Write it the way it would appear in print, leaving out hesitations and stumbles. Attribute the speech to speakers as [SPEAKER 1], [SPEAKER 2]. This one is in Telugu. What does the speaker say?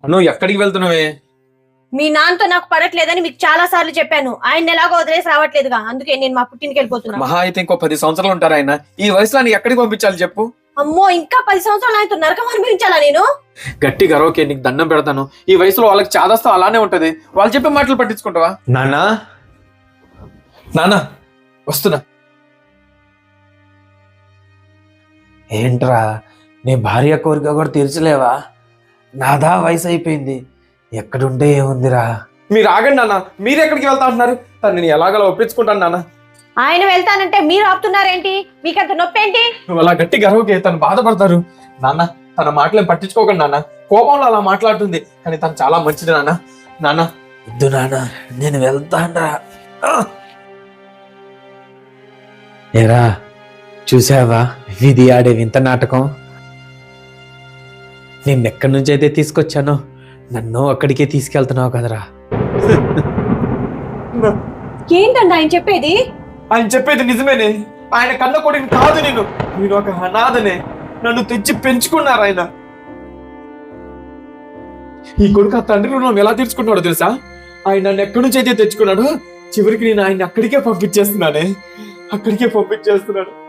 [SPEAKER 1] నువ్వు ఎక్కడికి వెళ్తున్నావే?
[SPEAKER 2] మీ నాన్నతో నాకు పడట్లేదని మీకు చాలా సార్లు చెప్పాను. ఆయన ఎలాగో వదిలేసి రావట్లేదుగా, అందుకే నేను మా పుట్టింటికి వెళ్ళిపోతున్నా.
[SPEAKER 1] మహా అయితే ఇంకో 10 సంవత్సరాలు ఉంటారు ఆయన. ఈ వయసులో నీ ఎక్కడికి పంపించాలి చెప్పు?
[SPEAKER 2] అమ్మో, ఇంకా 10 సంవత్సరాలు ఆయనతో నరకం అనిపించాలా నేను?
[SPEAKER 1] గట్టి గర్వకే నీకు దండం పెడతాను. ఈ వయసులో వాళ్ళకి చాదస్తం అలానే ఉంటది. వాళ్ళు చెప్పే మాటలు పట్టించుకుంటావా? నానా నానా వస్తున్నా. ఏంట్రా నీ భార్య కోరిక కూడా తీర్చలేవా? నాదా వయసు అయిపోయింది, ఎక్కడుంటే ఏముందిరా. మీరు ఆగండి నాన్న, మీరు ఎక్కడికి వెళ్తా అంటున్నారు? తను నేను ఎలాగలా ఒప్పించుకుంటాను నాన్న.
[SPEAKER 2] ఆయన వెళ్తానంటే మీరు ఆపుతున్నారేంటి? మీకంత నొప్పి ఏంటి?
[SPEAKER 1] నువ్వు అలా గట్టి గర్వకే తను బాధపడతారు. నాన్న తన మాటలేం పట్టించుకోకండి నాన్న. కోపంలో అలా మాట్లాడుతుంది, కానీ తను చాలా మంచిది నాన్న. నాన్న వద్దు నాన్న, నేను వెళ్తానరా. ఏరా చూసావా విధి ఆడే వింత నాటకం? నిన్నెక్కడి నుంచి అయితే తీసుకొచ్చానో నన్ను అక్కడికే తీసుకెళ్తున్నావు కదరా.
[SPEAKER 2] ఏంటండి ఆయన చెప్పేది?
[SPEAKER 1] ఆయన చెప్పేది నిజమేనే. ఆయన కన్న కొడుకుని కాదు నేను ఒక అనాథనే. నన్ను తెచ్చి పెంచుకున్నారు ఆయన. ఈ కొడుకు ఆ తండ్రి రుణం ఎలా తీర్చుకున్నాడో తెలుసా? ఆయన నన్ను ఎక్కడి నుంచి అయితే తెచ్చుకున్నాడు, చివరికి నేను ఆయన అక్కడికే పంపించేస్తున్నాను.